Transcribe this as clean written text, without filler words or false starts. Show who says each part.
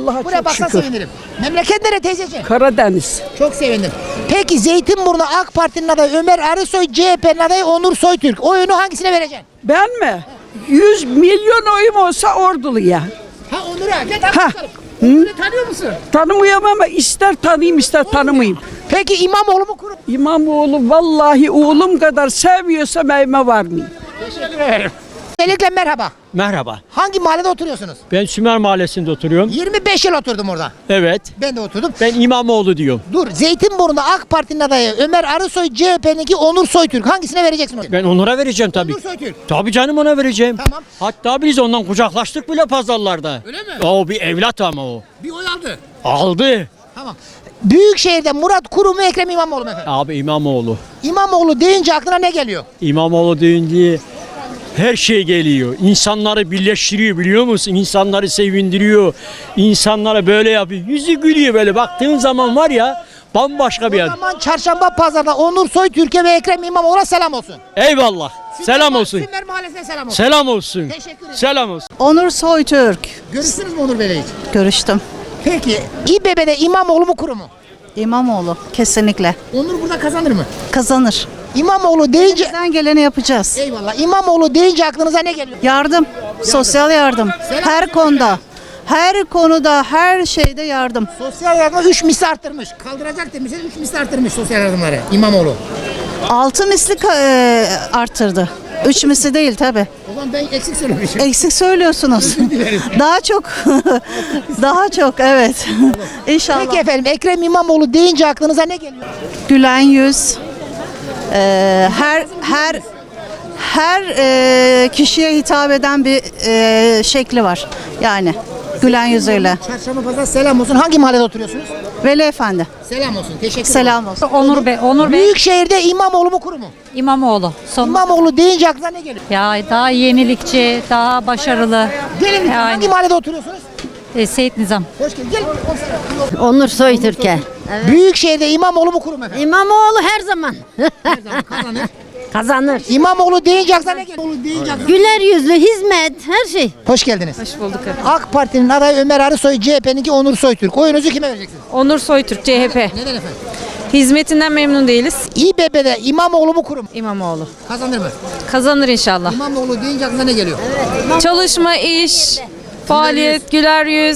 Speaker 1: Allah'a
Speaker 2: Buraya
Speaker 1: çok
Speaker 2: baksan
Speaker 1: şükür.
Speaker 2: sevinirim. Memleket nere teyzeciğim?
Speaker 1: Karadeniz.
Speaker 2: Çok sevindim. Peki Zeytinburnu AK Parti'nin adayı Ömer Arısoy, CHP'nin adayı Onur Soytürk. Oyunu hangisine vereceksin?
Speaker 1: Ben mi? 100 milyon oyum olsa Ordulu'ya.
Speaker 2: Ha Onur'a. Gel
Speaker 1: Ha.
Speaker 2: bakalım. Onur'u tanıyor musun?
Speaker 1: Tanımıyorum ama ister tanıyayım ister tanımayayım.
Speaker 2: Peki İmamoğlu mu kurum?
Speaker 1: İmamoğlu vallahi oğlum kadar sevmiyorsam evime varmayayım.
Speaker 2: Öncelikle merhaba.
Speaker 3: Merhaba.
Speaker 2: Hangi mahallede oturuyorsunuz?
Speaker 3: Ben Sümer Mahallesi'nde oturuyorum.
Speaker 2: 25 yıl oturdum orada.
Speaker 3: Evet.
Speaker 2: Ben de oturdum.
Speaker 3: Ben İmamoğlu diyorum.
Speaker 2: Dur, Zeytinburnu'nda AK Parti'nin adayı Ömer Arısoy, CHP'ninki Onur Soytürk. Hangisine vereceksin onu?
Speaker 3: Ben Onur'a vereceğim tabii.
Speaker 2: Onur Soytürk.
Speaker 3: Tabii canım ona vereceğim.
Speaker 2: Tamam.
Speaker 3: Hatta biz ondan kucaklaştık bile pazarlarda.
Speaker 2: Öyle mi?
Speaker 3: O bir evlat ama o.
Speaker 2: Bir oy aldı.
Speaker 3: Aldı.
Speaker 2: Tamam. Büyükşehir'de Murat Kurum mu Ekrem İmamoğlu mu efendim?
Speaker 3: Abi İmamoğlu.
Speaker 2: İmamoğlu deyince aklına ne geliyor?
Speaker 3: İmamoğlu deyince her şey geliyor. İnsanları birleştiriyor biliyor musun? İnsanları sevindiriyor. İnsanlara böyle yapıyor. Yüzü gülüyor böyle. Baktığın zaman var ya bambaşka bir
Speaker 2: O
Speaker 3: yer.
Speaker 2: zaman çarşamba pazarda Onur Soytürk'e ve Ekrem İmamoğlu'na selam olsun.
Speaker 3: Eyvallah. Selam olsun.
Speaker 2: Sümer Mahallesi'ne selam olsun.
Speaker 3: Selam olsun.
Speaker 2: Teşekkür ederim.
Speaker 3: Selam olsun.
Speaker 4: Onur Soytürk.
Speaker 2: Görüştünüz mü Onur Bey'le hiç?
Speaker 4: Görüştüm.
Speaker 2: Peki İBB'de İmamoğlu mu Kurum mu?
Speaker 4: İmamoğlu kesinlikle
Speaker 2: Onur burada kazanır mı?
Speaker 4: kazanır.
Speaker 2: İmamoğlu deyince...
Speaker 4: Bizden geleni yapacağız.
Speaker 2: Eyvallah. İmamoğlu deyince aklınıza ne geliyor?
Speaker 4: Yardım, sosyal yardım. Her konuda. Her konuda, her şeyde yardım.
Speaker 2: Sosyal yardım 3 misli arttırmış. Kaldıracak demişler 3 misli arttırmış sosyal yardımları İmamoğlu.
Speaker 4: 6 misli arttırdı. 3 misli değil tabi.
Speaker 2: O zaman ben eksik söylemişim.
Speaker 4: Eksik söylüyorsunuz. Daha çok. Daha çok evet. İnşallah.
Speaker 2: Peki efendim Ekrem İmamoğlu deyince aklınıza ne geliyor?
Speaker 4: Gülen yüz. Her kişiye hitap eden bir şekli var. Yani gülen yüzüyle.
Speaker 2: Çarşamba pazar selam olsun. Hangi mahallede oturuyorsunuz?
Speaker 4: Veli Efendi.
Speaker 2: Selam olsun. Teşekkür ederim.
Speaker 4: Selam olsun.
Speaker 5: Onur Bey,
Speaker 2: Büyükşehir'de İmamoğlu mu Kurum mu?
Speaker 5: İmamoğlu.
Speaker 2: İmamoğlu deyince aklına ne geliyor?
Speaker 5: Ya daha yenilikçi, daha başarılı.
Speaker 2: Gelin
Speaker 5: Yani.
Speaker 2: hangi mahallede oturuyorsunuz?
Speaker 5: Seyit Nizam.
Speaker 2: Hoş geldin. Gelin.
Speaker 6: Onur Soytürk'e.
Speaker 2: Büyükşehir'de İmamoğlu mu Kurum efendim?
Speaker 6: İmamoğlu her zaman
Speaker 2: Her zaman kazanır.
Speaker 6: kazanır.
Speaker 2: İmamoğlu deyince aklına ne geliyor? İmamoğlu deyince aklına...
Speaker 6: Güler yüzlü, hizmet, her şey.
Speaker 2: Hoş geldiniz.
Speaker 5: Hoş bulduk efendim.
Speaker 2: AK Parti'nin adayı Ömer Arısoy, CHP'ninki Onur Soytürk. Oyunuzu kime vereceksiniz?
Speaker 5: Onur Soytürk, CHP.
Speaker 2: Neden efendim?
Speaker 5: Hizmetinden memnun değiliz.
Speaker 2: İBB'de İmamoğlu mu Kurum mu?
Speaker 5: İmamoğlu.
Speaker 2: Kazanır mı?
Speaker 5: Kazanır inşallah.
Speaker 2: İmamoğlu deyince aklına ne geliyor?
Speaker 5: Çalışma, iş, faaliyet, güler yüz.